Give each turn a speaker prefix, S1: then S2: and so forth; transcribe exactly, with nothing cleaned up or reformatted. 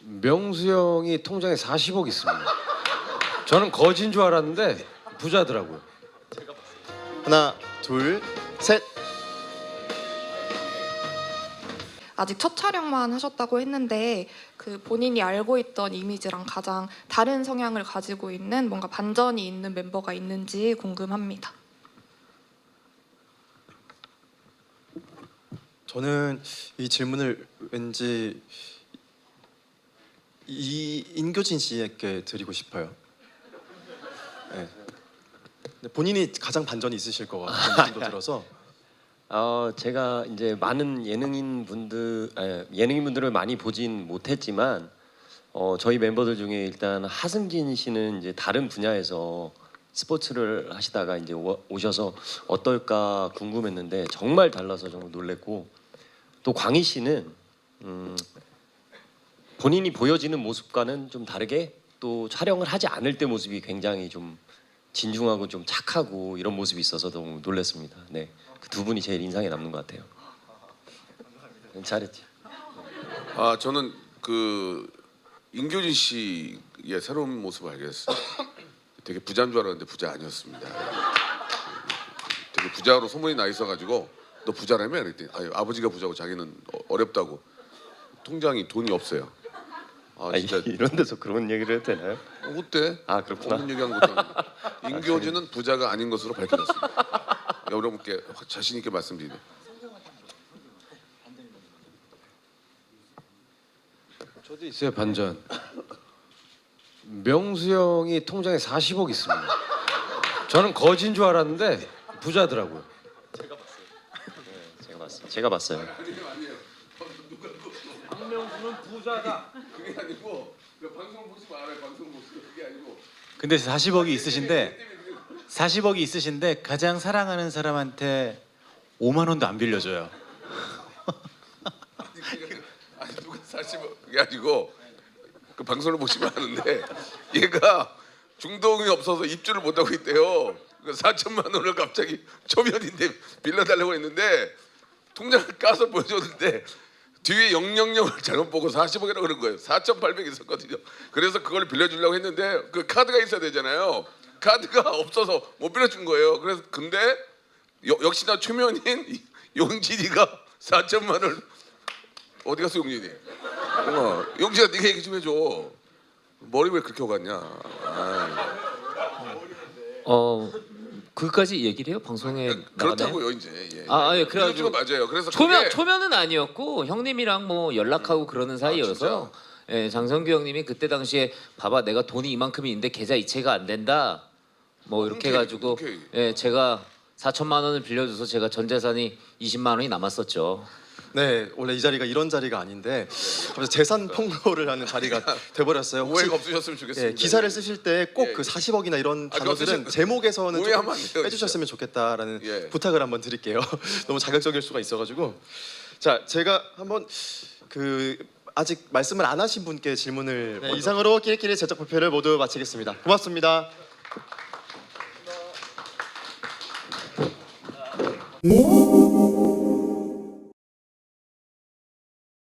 S1: 명수 형이 통장에 사십억 있습니다. 저는 거진 줄 알았는데 부자더라고요.
S2: 하나, 둘, 셋.
S3: 아직 첫 촬영만 하셨다고 했는데 그 본인이 알고 있던 이미지랑 가장 다른 성향을 가지고 있는 뭔가 반전이 있는 멤버가 있는지 궁금합니다.
S2: 저는 이 질문을 왠지 이 인교진 씨에게 드리고 싶어요. 네. 근데 본인이 가장 반전이 있으실 것 같은 느낌도 들어서.
S4: 어, 제가 이제 많은 예능인 분들 에, 예능인 분들을 많이 보진 못했지만 어, 저희 멤버들 중에 일단 하승진 씨는 이제 다른 분야에서 스포츠를 하시다가 이제 오, 오셔서 어떨까 궁금했는데 정말 달라서 정말 놀랬고, 또 광희 씨는 음, 본인이 보여지는 모습과는 좀 다르게 또 촬영을 하지 않을 때 모습이 굉장히 좀 진중하고 좀 착하고 이런 모습이 있어서 너무 놀랐습니다. 네, 그 두 분이 제일 인상에 남는 것 같아요. 잘했지.
S5: 아 저는 그 인교진 씨의 새로운 모습을 알게 됐어요. 되게 부자인 줄 알았는데 부자 아니었습니다. 되게 부자로 소문이 나 있어가지고 너 부자라며? 그랬더니 아니, 아버지가 부자고 자기는 어렵다고 통장이 돈이 없어요. 아 진짜.
S4: 아니, 이런 데서 그런 얘기를 해도 되나요?
S5: 어, 어때?
S4: 아, 그렇구나.
S5: 없는 얘기하는 것도 아니고. 인교진은 부자가 아닌 것으로 밝혀졌습니다. 여러분께 자신 있게 말씀드리네.
S1: 저도 있어요, 반전. 명수 형이 통장에 사십억 있습니다. 저는 거진 줄 알았는데 부자더라고요.
S4: 제가 봤어요. 제가 봤어요.
S1: 박명수는 부자다.
S5: 그게 아니고 방송 보지 말아요. 방송 보지 그게 아니고.
S6: 근데 사십억이 있으신데 사십억이 있으신데 가장 사랑하는 사람한테 오만 원도 안 빌려줘요.
S5: 아니 누가 사십억 그게 아니고 그 방송을 보시면 아는데 얘가 중동이 없어서 입주를 못 하고 있대요. 그 사천만 원을 갑자기 초면인데 빌려달라고 했는데 통장을 까서 보여줬는데 뒤에 영영영을 잘못 보고 사십억이라고 그런 거예요. 사천팔백 있었거든요. 그래서 그걸 빌려주려고 했는데 그 카드가 있어야 되잖아요. 카드가 없어서 못 빌려준 거예요. 그래서 근데 여, 역시나 초면인 용진이가 사천만 원을 어디 갔어 용진이? 어, 용진아 네가 얘기 좀 해줘. 머리 왜 그렇게 오갔냐?
S7: 어 그까지 얘기를 해요 방송에 나가나요?
S5: 그렇다고요 이제. 예.
S7: 아, 아, 예,
S5: 그래가지고
S7: 그래가지고
S5: 맞아요. 그래서
S7: 초면
S5: 그게
S7: 초면은 아니었고 형님이랑 뭐 연락하고 그러는 사이여서 예, 장성규 형님이 그때 당시에 봐봐 내가 돈이 이만큼이 있는데 계좌 이체가 안 된다 뭐 이렇게
S5: 흔쾌히,
S7: 해가지고
S5: 흔쾌히.
S7: 예, 제가 사천만 원을 빌려줘서 제가 전 재산이 이십만 원이 남았었죠.
S2: 네, 원래 이 자리가 이런 자리가 아닌데 갑자기 재산 폭로를 하는 자리가 돼버렸어요. 혹시
S5: 오해가 없으셨으면 좋겠습니다.
S2: 예, 기사를 쓰실 때 꼭
S5: 예,
S2: 그
S5: 예.
S2: 사십억이나 이런
S5: 아,
S2: 단어들은
S5: 그거
S2: 제목에서는 좀
S5: 오해하면 안 돼요,
S2: 빼주셨으면 좋겠다라는
S5: 예.
S2: 부탁을 한번 드릴게요. 너무 자극적일 수가 있어가지고. 자, 제가 한번 그 아직 말씀을 안 하신 분께 질문을 네, 이상으로 끼리끼리 제작 발표를 모두 마치겠습니다. 고맙습니다.
S8: 오!